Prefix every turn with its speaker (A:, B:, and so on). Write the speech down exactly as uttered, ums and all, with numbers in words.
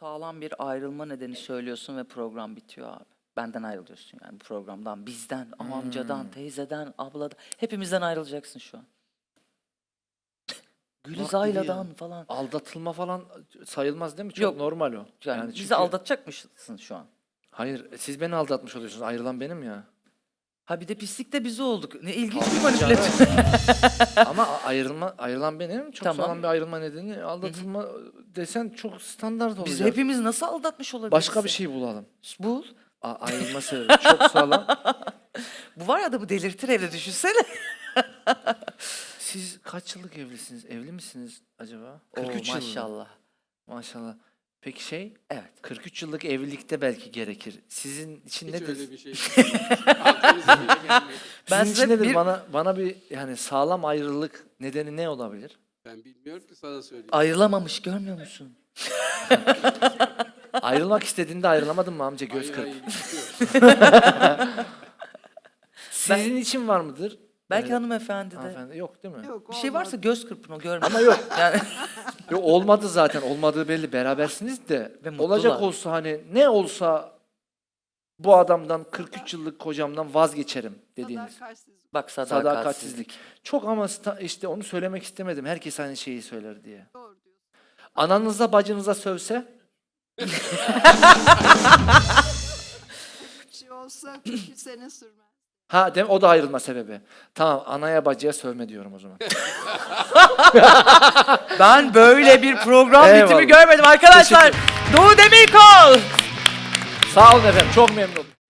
A: sağlam bir ayrılma nedeni söylüyorsun ve program bitiyor abi. Benden ayrılıyorsun yani bu programdan, bizden,
B: Hmm.
A: amcadan, teyzeden, abladan. Hepimizden ayrılacaksın şu an. Gülüzayla'dan falan.
B: Aldatılma falan sayılmaz değil mi? Çok
A: Yok.
B: normal o.
A: Yani,
B: çünkü-
A: bizi aldatacak mısın şu an?
B: Hayır, siz beni aldatmış oluyorsunuz. Ayrılan benim ya.
A: Ha bir de pislik de biz olduk. Ne ilginç bir
B: Canım.
A: manipülasyon.
B: Ama a- ayrılma ayrılan benim. Çok
A: Tamam.
B: sağlam bir ayrılma nedeni. Aldatılma desen çok standart olacak.
A: Biz hepimiz nasıl aldatmış olabiliriz?
B: Başka bir şey bulalım.
A: Bul.
B: A- ayrılma sebebi çok sağlam.
A: Bu var ya adamı delirtir evde düşünsene.
B: Siz kaç yıllık evlisiniz? Evli misiniz acaba?
A: Oo,
B: kırk üç yıl mı?
A: maşallah.
B: Maşallah. Peki şey,
A: Evet.
B: kırk üç yıllık evlilikte belki gerekir. Sizin için
C: Hiç
B: nedir?
C: öyle bir şey. Aklınıza bile gelmedi.
A: Ben
B: Sizin
A: size
B: için nedir?
A: bir-
B: Bana bana bir yani sağlam ayrılık nedeni ne olabilir?
C: Ben bilmiyorum ki sana söyleyeyim.
A: Ayrılamamış görmüyor musun?
B: Ayrılmak istediğinde ayrılamadın mı amca göz
C: Hayır,
B: kırp?
C: hayır, bitiyor.
B: Sizin için var mıdır?
A: Belki
B: Evet.
A: hanımefendi de.
B: Hanımefendi yok değil mi?
C: Yok,
A: Bir şey varsa
C: olmaz.
A: göz kırpın o görmüyor.
B: Ama yok.
A: Yani
B: Yok olmadı zaten. Olmadığı belli. Berabersiniz de.
A: Ve mutlular.
B: Olacak olsa hani ne olsa bu adamdan kırk üç yıllık kocamdan vazgeçerim dediğiniz.
C: Sadakatsizlik.
A: bak sadakatsizlik.
B: Sadakatsizlik. Çok ama sta- işte onu söylemek istemedim. Herkes aynı şeyi söyler diye.
C: Doğru diyorsun.
B: Ananıza bacınıza sövse
C: Bir şey olsa kırk üç sene sürmez.
B: ha dem o da ayrılma sebebi. Tamam anaya bacıya sövme diyorum o zaman.
A: Ben böyle bir program
B: Eyvallah.
A: bitimi görmedim arkadaşlar. Doğu Demirkol.
B: Sağ olun efendim. Çok memnun oldum.